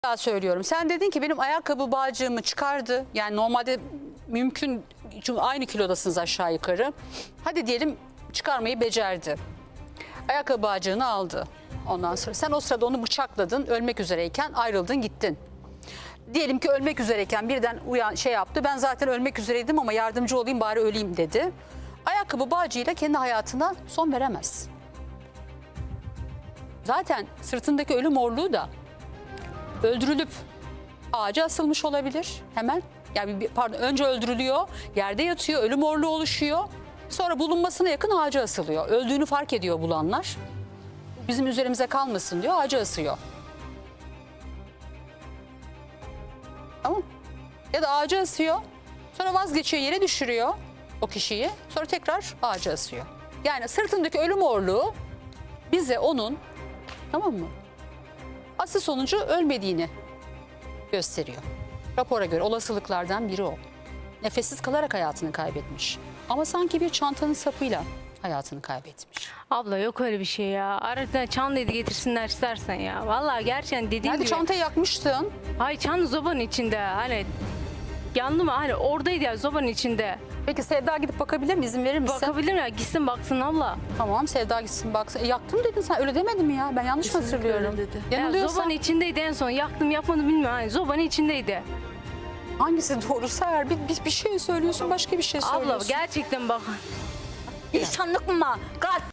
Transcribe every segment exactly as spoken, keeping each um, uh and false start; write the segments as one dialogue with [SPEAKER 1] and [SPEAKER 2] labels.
[SPEAKER 1] Daha söylüyorum. Sen dedin ki benim ayakkabı bağcığımı çıkardı. Yani normalde mümkün, çünkü aynı kilodasınız aşağı yukarı. Hadi diyelim çıkarmayı becerdi. Ayakkabı bağcığını aldı. Ondan sonra sen o sırada onu bıçakladın, ölmek üzereyken ayrıldın gittin. Diyelim ki ölmek üzereyken birden uyan şey yaptı. Ben zaten ölmek üzereydim ama yardımcı olayım bari öleyim dedi. Ayakkabı bağcığıyla kendi hayatına son veremez. Zaten sırtındaki ölü morluğu da öldürülüp ağaca asılmış olabilir hemen. Yani bir, pardon önce öldürülüyor, yerde yatıyor, ölü morluğu oluşuyor. Sonra bulunmasına yakın ağaca asılıyor. Öldüğünü fark ediyor bulanlar. Bizim üzerimize kalmasın diyor, ağaca asıyor. Tamam. Ya da ağaca asıyor, sonra vazgeçiyor, yere düşürüyor o kişiyi. Sonra tekrar ağaca asıyor. Yani sırtındaki ölü morluğu bize onun, tamam mı, asıl sonucu ölmediğini gösteriyor. Rapora göre olasılıklardan biri o. Nefessiz kalarak hayatını kaybetmiş. Ama sanki bir çantanın sapıyla hayatını kaybetmiş.
[SPEAKER 2] Abla yok öyle bir şey ya. Arada çantayı getirsinler istersen ya. Vallahi gerçekten dediğim
[SPEAKER 1] Nerede
[SPEAKER 2] gibi.
[SPEAKER 1] çantayı yakmıştın?
[SPEAKER 2] Hayır çanta zobanın içinde. Hani yandı mı? Hani oradaydı ya zobanın içinde.
[SPEAKER 1] Peki Sevda gidip bakabilir mi? İzin verir misin?
[SPEAKER 2] Bakabilir mi? Gitsin baksın abla.
[SPEAKER 1] Tamam Sevda gitsin baksın. E, yaktım dedin sen, öyle demedin mi ya? Ben yanlış mı hatırlıyorum?
[SPEAKER 3] dedi.
[SPEAKER 2] Ya,
[SPEAKER 1] Yanılıyorsam
[SPEAKER 2] zobanın içindeydi en son. Yaktım yapmadım bilmiyorum. Hani zobanın içindeydi.
[SPEAKER 1] hangisi doğrusu eğer bir, bir, bir şey söylüyorsun başka bir şey söylüyorsun.
[SPEAKER 2] Abla gerçekten bak.
[SPEAKER 3] İnsanlık mı? Kalp.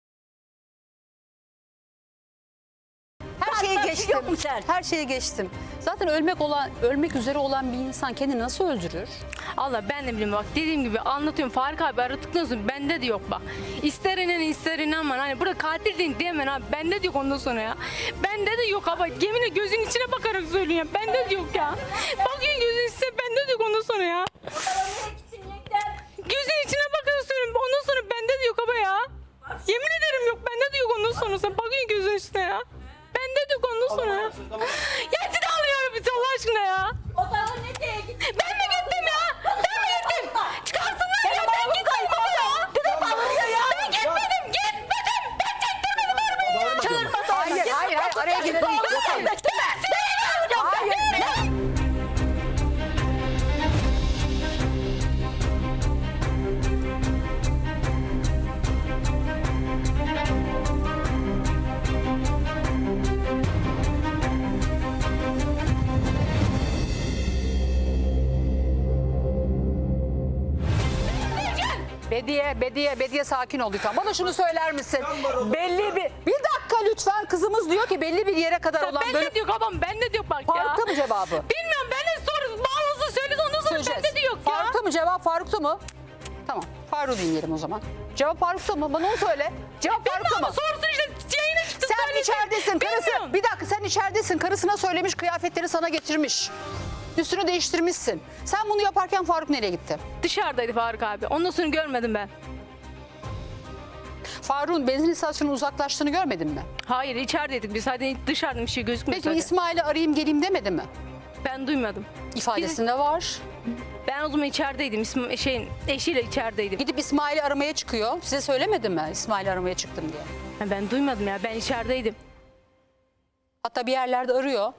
[SPEAKER 1] Her şeyi
[SPEAKER 3] Kalp
[SPEAKER 1] geçtim.
[SPEAKER 3] yok mu sen?
[SPEAKER 1] Her şeyi geçtim. Zaten ölmek olan, ölmek üzere olan bir insan kendini nasıl öldürür?
[SPEAKER 2] Allah ben de bilmiyorum bak dediğim gibi anlatıyorum. Faruk abi aradıktan sonra bende de yok bak. İster inan ister inanma. Hani burada katil değil diyemem abi. Bende de yok ondan sonra ya. Bende de yok abi. Yeminle gözün içine bakarak söylüyorum ya. Bende de yok ya. Bakıyorsun gözün içine bende de yok ondan sonra ya. Gözün içine bakarak söylüyorum. Ondan sonra bende de yok abi ya. Yemin ederim yok. Bende de yok ondan sonra. Sen bakıyorsun gözün içine ya. Bende de yok ondan sonra ya. Ya seni alıyorum bir Allah aşkına ya. Ben mi gittim ya? Ben mi gittim? Çıkarsınlar ya ben gittim baba ya. Ben gitmedim gitmedim. Ben çektirmedim arabayı.
[SPEAKER 3] Çığırma da
[SPEAKER 1] Hayır, hayır, hayır, araya girmeyin.
[SPEAKER 3] Hayır.
[SPEAKER 1] Hayır. Bediye, Bediye, Bediye sakin ol lütfen. Bana şunu söyler misin? Belli bir... Bir dakika lütfen. Kızımız diyor ki belli bir yere kadar olan
[SPEAKER 2] Ben
[SPEAKER 1] bölüm...
[SPEAKER 2] de diyor babam ben de diyor bak ya.
[SPEAKER 1] Faruk'ta mı cevabı?
[SPEAKER 2] Bilmiyorum ben de sor bağlısı söyledi ondan sonra
[SPEAKER 1] Söyleyeceğiz.
[SPEAKER 2] bende de yok ya.
[SPEAKER 1] Faruk'ta mı cevap? Faruk'ta mı? Tamam. Faruk'u dinleyelim o zaman. Cevap Faruk'ta mı? Bana onu söyle. Cevap Faruk'ta
[SPEAKER 2] Bilmiyorum
[SPEAKER 1] mı?
[SPEAKER 2] sorsun işte yayına çıktı
[SPEAKER 1] Sen
[SPEAKER 2] söyledi.
[SPEAKER 1] içeridesin. Karısı,
[SPEAKER 2] Bilmiyorum.
[SPEAKER 1] bir dakika sen içeridesin. Karısına söylemiş, kıyafetleri sana getirmiş. Üstünü değiştirmişsin. Sen bunu yaparken Faruk nereye gitti?
[SPEAKER 2] Dışarıdaydı Faruk abi. Ondan sonra görmedim ben.
[SPEAKER 1] Faruk'un benzin istasyonunun uzaklaştığını görmedin mi?
[SPEAKER 2] Hayır içerideydik biz. Hadi dışarıda bir şey gözükmüyor
[SPEAKER 1] Peki
[SPEAKER 2] zaten.
[SPEAKER 1] İsmail'i arayayım geleyim demedi mi?
[SPEAKER 2] Ben duymadım.
[SPEAKER 1] İfadesinde var.
[SPEAKER 2] Ben o zaman içerideydim. İsm şeyin eşiyle içerideydim.
[SPEAKER 1] Gidip İsmail'i aramaya çıkıyor. Size söylemedi mi İsmail'i aramaya çıktım diye?
[SPEAKER 2] Ha, ben duymadım ya. Ben içerideydim.
[SPEAKER 1] Hatta bir yerlerde arıyor.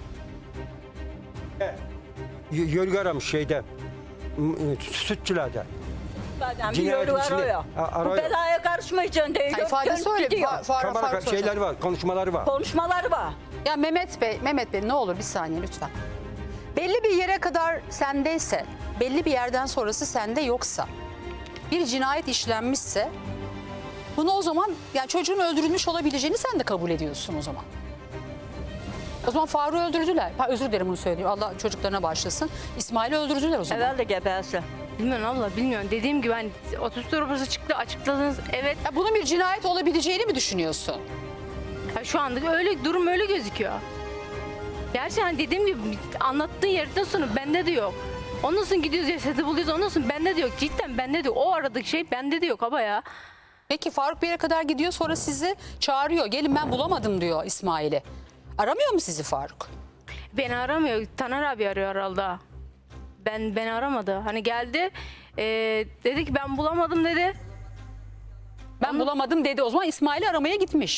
[SPEAKER 4] Y- Yörgü aramış şeyde. m- Sütçülerde.
[SPEAKER 3] Zaten bir
[SPEAKER 4] Cinayet
[SPEAKER 3] yolu
[SPEAKER 4] içinde.
[SPEAKER 3] arıyor.
[SPEAKER 4] A-
[SPEAKER 3] Bu
[SPEAKER 4] arıyor.
[SPEAKER 3] belaya karışmayacaksın diyor.
[SPEAKER 1] Ha, ifadesi
[SPEAKER 3] Dönüp
[SPEAKER 1] öyle.
[SPEAKER 3] gidiyor.
[SPEAKER 1] Fa- Fa-
[SPEAKER 4] Kamera
[SPEAKER 1] Faruk söyle.
[SPEAKER 4] şeyleri var, konuşmaları var.
[SPEAKER 3] Konuşmaları var.
[SPEAKER 1] Ya Mehmet Bey, Mehmet Bey ne olur bir saniye lütfen. Belli bir yere kadar sendeyse, belli bir yerden sonrası sende yoksa, bir cinayet işlenmişse, bunu o zaman yani çocuğun öldürülmüş olabileceğini sen de kabul ediyorsun o zaman. O zaman Faruk'u öldürdüler. Ha, özür dilerim bunu söylüyorum. Allah çocuklarına başlasın. İsmail'i öldürdüler o zaman.
[SPEAKER 3] Herhalde gebersin.
[SPEAKER 2] Bilmiyorum abla bilmiyorum. Dediğim gibi hani otobüs raporu çıktı açıkladınız. Evet.
[SPEAKER 1] Ya bunun bir cinayet olabileceğini mi düşünüyorsun?
[SPEAKER 2] Ha, şu anda öyle durum öyle gözüküyor. Gerçi hani dediğim gibi anlattığın yerden sonra bende de yok. Ondan sonra gidiyoruz cesedi buluyoruz. Ondan sonra bende de yok. Cidden bende de yok. O aradaki şey bende de yok baba ya.
[SPEAKER 1] Peki Faruk bir yere kadar gidiyor sonra sizi çağırıyor. Gelin ben bulamadım diyor İsmail'i. Aramıyor mu sizi Faruk?
[SPEAKER 2] Beni aramıyor. Taner abi arıyor herhalde. Ben beni aramadı. Hani geldi. e, dedi ki ben bulamadım dedi.
[SPEAKER 1] Ben bulamadım dedi. O zaman İsmail'i aramaya gitmiş.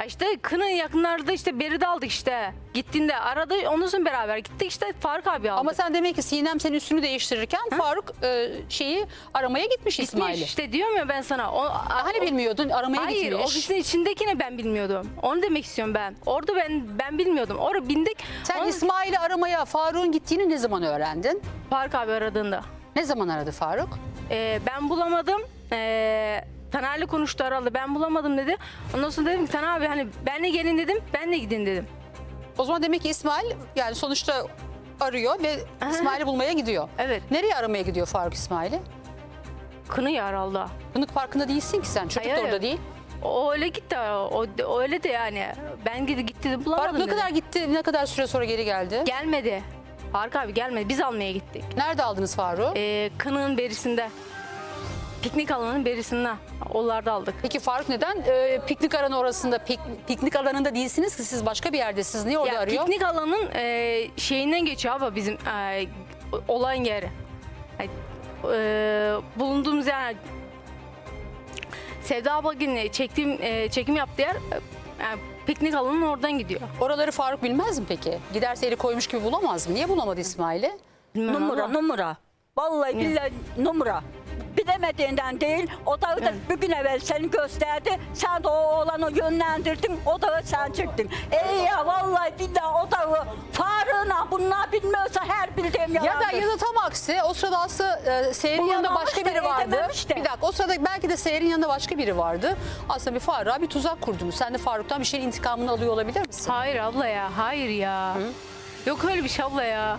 [SPEAKER 2] Ya İşte Kın'ın yakınlarda işte Beride aldık işte. Gittiğinde aradı, ondan sonra beraber gittik işte Faruk abi aldı.
[SPEAKER 1] Ama sen demek ki Sinem senin üstünü değiştirirken Faruk e, şeyi aramaya gitmiş,
[SPEAKER 2] Gitmiş
[SPEAKER 1] İsmail'i.
[SPEAKER 2] işte diyorum ya ben sana. O,
[SPEAKER 1] Hani bilmiyordun, aramaya
[SPEAKER 2] Hayır,
[SPEAKER 1] gitmiş.
[SPEAKER 2] ofisin içindekini ben bilmiyordum. Onu demek istiyorum ben. Orada ben ben bilmiyordum. Orada bindik.
[SPEAKER 1] Sen
[SPEAKER 2] Onu-
[SPEAKER 1] İsmail'i aramaya Faruk'un gittiğini ne zaman öğrendin?
[SPEAKER 2] Faruk abi aradığında.
[SPEAKER 1] Ne zaman aradı Faruk?
[SPEAKER 2] Ee, ben bulamadım. Ee, Taner'le konuştu aralı. Ben bulamadım dedi. Ondan sonra dedim ki Taner abi hani benle gelin dedim. Benle gidin dedim.
[SPEAKER 1] O zaman demek ki İsmail yani sonuçta arıyor ve İsmail'i bulmaya gidiyor.
[SPEAKER 2] Evet.
[SPEAKER 1] Nereye aramaya gidiyor Faruk İsmail'i?
[SPEAKER 2] Kını yaraldı.
[SPEAKER 1] Bunun farkında değilsin ki sen. Çocuk
[SPEAKER 2] Hayır,
[SPEAKER 1] da orada
[SPEAKER 2] hayır.
[SPEAKER 1] değil.
[SPEAKER 2] O öyle gitti. O, o öyle de yani. Ben gidi gitti de bulamadım
[SPEAKER 1] Faruk ne
[SPEAKER 2] dedi.
[SPEAKER 1] kadar gitti, ne kadar süre sonra geri geldi?
[SPEAKER 2] Gelmedi. Faruk abi gelmedi. Biz almaya gittik.
[SPEAKER 1] Nerede aldınız Faruk'u?
[SPEAKER 2] Ee, Kını'nın berisinde. Piknik alanının berisinde. Onlarda aldık.
[SPEAKER 1] Peki Faruk neden e, piknik alanı orasında, pik- piknik alanında değilsiniz ki siz başka bir yerdesiniz? Niye orada
[SPEAKER 2] Ya
[SPEAKER 1] arıyor?
[SPEAKER 2] piknik alanın e, şeyinden geçiyor abi bizim e, olan yeri. Yani, e, bulunduğumuz yer Sevda abla günü çektiğim e, çekim yaptığı yer e, yani piknik alanının oradan gidiyor.
[SPEAKER 1] Oraları Faruk bilmez mi peki? Giderse eli koymuş gibi bulamaz mı? Niye bulamadı İsmail'i?
[SPEAKER 2] Bilmem
[SPEAKER 3] Numara
[SPEAKER 2] ama-
[SPEAKER 3] numara. Vallahi billahi numara. Bilemediğinden değil, o dağı da bir gün evvel seni gösterdi. Sen de o oğlanı yönlendirdin, o dağı sen çıktın. Ey ya vallahi billahi o dağı Faruk'una bunlar bilmiyorsa her bildiğim
[SPEAKER 1] Ya da
[SPEAKER 3] yalandır.
[SPEAKER 1] ya da tam aksi o sırada aslında e, Seher'in
[SPEAKER 3] Bulamamış
[SPEAKER 1] yanında başka
[SPEAKER 3] da
[SPEAKER 1] biri vardı.
[SPEAKER 3] edememiş de.
[SPEAKER 1] Bir dakika o sırada belki de Seher'in yanında başka biri vardı. Aslında bir Faruk'a bir tuzak kurdunuz. Sen de Faruk'tan bir şeyin intikamını alıyor olabilir misin?
[SPEAKER 2] Hayır abla ya, hayır ya. Yok öyle bir şey abla ya.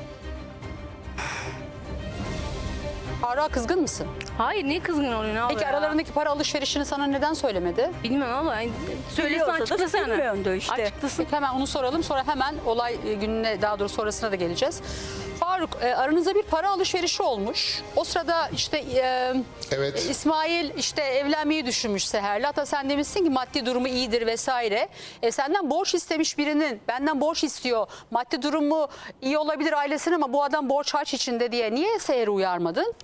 [SPEAKER 1] Faruk'a kızgın mısın?
[SPEAKER 2] Hayır, niye kızgın oluyorsun abla
[SPEAKER 1] Peki
[SPEAKER 2] ya?
[SPEAKER 1] aralarındaki para alışverişini sana neden söylemedi?
[SPEAKER 2] Bilmiyorum abla. Yani söylesen
[SPEAKER 3] Biliyorsa da
[SPEAKER 2] açıklasana.
[SPEAKER 3] bilmiyordu işte.
[SPEAKER 2] Açıklasın.
[SPEAKER 1] Peki hemen onu soralım. Sonra hemen olay e, gününe daha doğrusu sonrasına da geleceğiz. Faruk e, aranızda bir para alışverişi olmuş. O sırada işte e,
[SPEAKER 5] Evet.
[SPEAKER 1] İsmail işte evlenmeyi düşünmüş Seher'le. Hatta sen demişsin ki maddi durumu iyidir vesaire. E, senden borç istemiş birinin benden borç istiyor. Maddi durumu iyi olabilir ailesinin ama bu adam borç harç içinde diye niye Seher'i uyarmadın?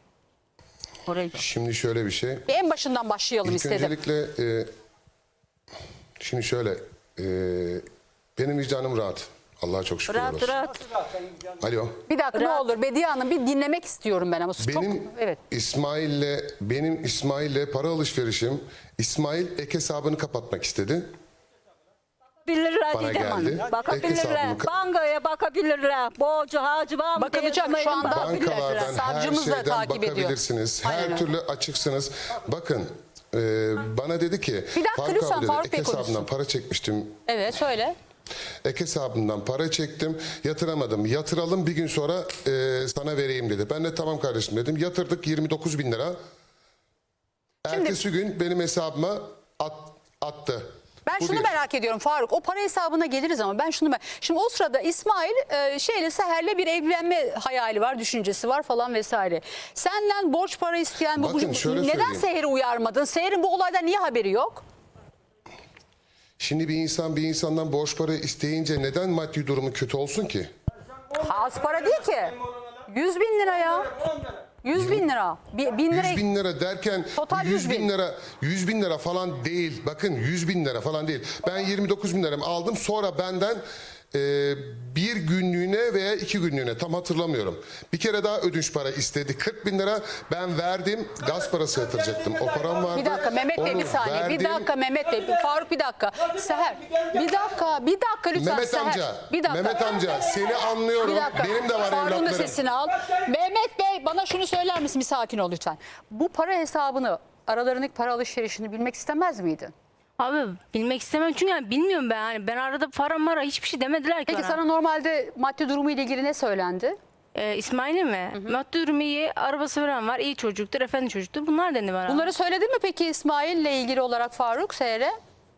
[SPEAKER 3] Orayı.
[SPEAKER 5] Şimdi şöyle bir şey.
[SPEAKER 1] Bir en başından başlayalım
[SPEAKER 5] İlk
[SPEAKER 1] istedim.
[SPEAKER 5] öncelikle e, şimdi şöyle e, benim vicdanım rahat. Allah'a çok şükür
[SPEAKER 3] Rahat
[SPEAKER 5] olsun.
[SPEAKER 3] rahat.
[SPEAKER 5] Alo.
[SPEAKER 1] Bir dakika ne
[SPEAKER 3] Rahat.
[SPEAKER 1] olur Bediye Hanım bir dinlemek istiyorum ben ama çok
[SPEAKER 5] Benim
[SPEAKER 1] evet.
[SPEAKER 5] İsmail'le benim İsmail'le para alışverişim, İsmail ek hesabını kapatmak istedi.
[SPEAKER 3] Bilirler
[SPEAKER 5] Bana
[SPEAKER 3] Didem Hanım.
[SPEAKER 5] geldi. Ek
[SPEAKER 3] Bakabilirler.
[SPEAKER 5] hesabımı-
[SPEAKER 3] Bankaya bakabilirler. Borcu harcı var mı?
[SPEAKER 1] Bakılacak
[SPEAKER 3] diye
[SPEAKER 1] şu anda.
[SPEAKER 3] bakabilirler.
[SPEAKER 5] Bankalardan her
[SPEAKER 1] Savcımız da
[SPEAKER 5] şeyden
[SPEAKER 1] takip ediyor.
[SPEAKER 5] bakabilirsiniz. Her
[SPEAKER 1] Aynen öyle.
[SPEAKER 5] türlü açıksınız. Bakın e, bana dedi ki
[SPEAKER 1] Bir dakika
[SPEAKER 5] Faruk
[SPEAKER 1] lütfen,
[SPEAKER 5] abi dedi,
[SPEAKER 1] Faruk
[SPEAKER 5] ek
[SPEAKER 1] Bey
[SPEAKER 5] hesabından
[SPEAKER 1] konuşsun.
[SPEAKER 5] para çekmiştim.
[SPEAKER 1] Evet söyle.
[SPEAKER 5] Ek hesabımdan para çektim, yatıramadım. Yatıralım bir gün sonra e, sana vereyim dedi. Ben de tamam kardeşim dedim. Yatırdık yirmi dokuz bin lira. Ertesi gün benim hesabıma at, attı.
[SPEAKER 1] Ben
[SPEAKER 5] Bu
[SPEAKER 1] şunu
[SPEAKER 5] bir.
[SPEAKER 1] merak ediyorum Faruk. O para hesabına geliriz ama ben şunu merak... Şimdi o sırada İsmail e, şeyle Seher'le bir evlenme hayali var, düşüncesi var falan vesaire. Senden borç para isteyen bu
[SPEAKER 5] Bakın,
[SPEAKER 1] bu-
[SPEAKER 5] şöyle
[SPEAKER 1] neden
[SPEAKER 5] söyleyeyim.
[SPEAKER 1] Seher'i uyarmadın? Seher'in bu olaydan niye haberi yok?
[SPEAKER 5] Şimdi bir insan bir insandan borç para isteyince neden maddi durumu kötü olsun ki?
[SPEAKER 1] Az para değil ki. yüz bin lira ya. yüz bin lira. Bir, bin lira.
[SPEAKER 5] yüz bin lira derken
[SPEAKER 1] Total
[SPEAKER 5] yüz
[SPEAKER 1] yüz bin.
[SPEAKER 5] bin lira yüz bin lira falan değil. Bakın yüz bin lira falan değil. Ben yirmi dokuz bin liramı aldım. Sonra benden e, bir günlüğüne veya iki günlüğüne tam hatırlamıyorum. Bir kere daha ödünç para istedi. kırk bin lira ben verdim. Gaz parası yatıracaktım. O param vardı.
[SPEAKER 1] Bir dakika Mehmet Bey
[SPEAKER 5] Onu
[SPEAKER 1] bir saniye. Bir
[SPEAKER 5] verdim.
[SPEAKER 1] dakika Mehmet Bey. Faruk bir dakika. Seher. Bir dakika. Bir dakika lütfen
[SPEAKER 5] Mehmet
[SPEAKER 1] Seher.
[SPEAKER 5] amca,
[SPEAKER 1] Bir dakika.
[SPEAKER 5] Mehmet amca seni anlıyorum.
[SPEAKER 1] Bir dakika.
[SPEAKER 5] Benim de var
[SPEAKER 1] Faruk'un da
[SPEAKER 5] evlatlarım.
[SPEAKER 1] sesini al. Mehmet Bey bana şunu söyler misin? Bir sakin ol lütfen. Bu para hesabını, aralarındaki para alışverişini bilmek istemez miydin?
[SPEAKER 2] Abi bilmek istemem çünkü yani bilmiyorum ben. Yani ben arada para mara hiçbir şey demediler ki
[SPEAKER 1] Peki
[SPEAKER 2] bana.
[SPEAKER 1] sana normalde maddi durumu ile ilgili ne söylendi?
[SPEAKER 2] Ee, İsmail'e mi? Maddi durumu iyi, arabası falan var, iyi çocuktur, efendi çocuktur. Bunlar dendi bana.
[SPEAKER 1] Bunları söyledin mi peki İsmail'le ilgili olarak Faruk Seher'e?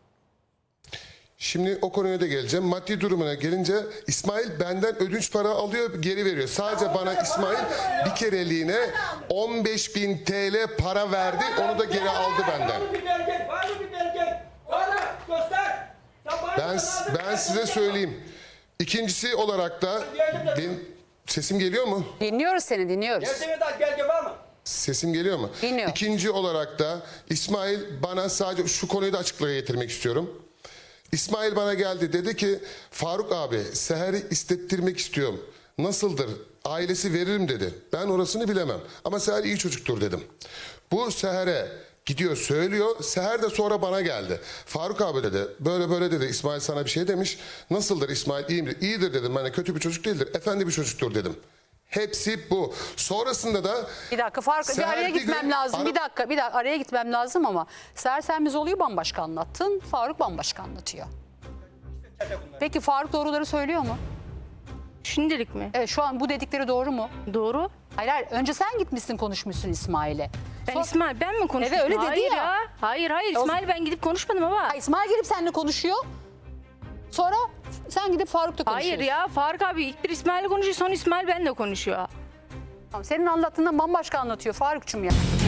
[SPEAKER 5] Şimdi o konuya da geleceğim. Maddi durumuna gelince İsmail benden ödünç para alıyor, geri veriyor. Sadece bana İsmail bir kereliğine on beş bin T L para verdi. Onu da geri aldı benden.
[SPEAKER 6] Var mı bir belge? Var mı bir belge? Var mı? Göster. Sen bana
[SPEAKER 5] Ben
[SPEAKER 6] göster.
[SPEAKER 5] ben size söyleyeyim. İkincisi olarak da benim sesim geliyor mu?
[SPEAKER 1] Dinliyoruz seni dinliyoruz.
[SPEAKER 6] Gerçeğe dair belge var mı?
[SPEAKER 5] Sesim geliyor mu?
[SPEAKER 1] Dinliyor.
[SPEAKER 5] İkinci olarak da İsmail bana sadece şu konuyu da açıklığa getirmek istiyorum. İsmail bana geldi, dedi ki Faruk abi Seher'i istettirmek istiyorum. Nasıldır? Ailesi veririm dedi. Ben orasını bilemem. Ama Seher iyi çocuktur dedim. Bu Seher'e gidiyor söylüyor. Seher de sonra bana geldi. Faruk abi dedi. Böyle böyle dedi. İsmail sana bir şey demiş. Nasıldır İsmail, iyi midir? İyidir dedim. Yani kötü bir çocuk değildir. Efendi bir çocuktur dedim. Hepsi bu. Sonrasında da
[SPEAKER 1] Bir dakika Faruk bir
[SPEAKER 5] Seher
[SPEAKER 1] araya
[SPEAKER 5] bir
[SPEAKER 1] gitmem
[SPEAKER 5] gün-
[SPEAKER 1] lazım.
[SPEAKER 5] Ara-
[SPEAKER 1] Bir dakika bir dakika araya gitmem lazım ama Seher sen biz oluyor bambaşka anlattın. Faruk bambaşka anlatıyor. Peki Faruk doğruları söylüyor mu?
[SPEAKER 2] Şimdilik mi?
[SPEAKER 1] Evet şu an bu dedikleri doğru mu?
[SPEAKER 2] Doğru.
[SPEAKER 1] Hayır hayır önce sen gitmişsin konuşmuşsun İsmail'e.
[SPEAKER 2] Ben
[SPEAKER 1] Sonra-
[SPEAKER 2] İsmail ben mi konuştum?
[SPEAKER 1] Evet, öyle dedi
[SPEAKER 2] hayır
[SPEAKER 1] ya.
[SPEAKER 2] Hayır hayır
[SPEAKER 1] O-
[SPEAKER 2] İsmail ben gidip konuşmadım baba.
[SPEAKER 1] Ha, İsmail gelip seninle konuşuyor. Sonra sen gidip Faruk'la konuşuyorsun.
[SPEAKER 2] Hayır ya Faruk abi ilk bir İsmail'le konuşuyor sonra İsmail benimle konuşuyor.
[SPEAKER 1] Tamam, senin anlattığından bambaşka anlatıyor Faruk'cum ya.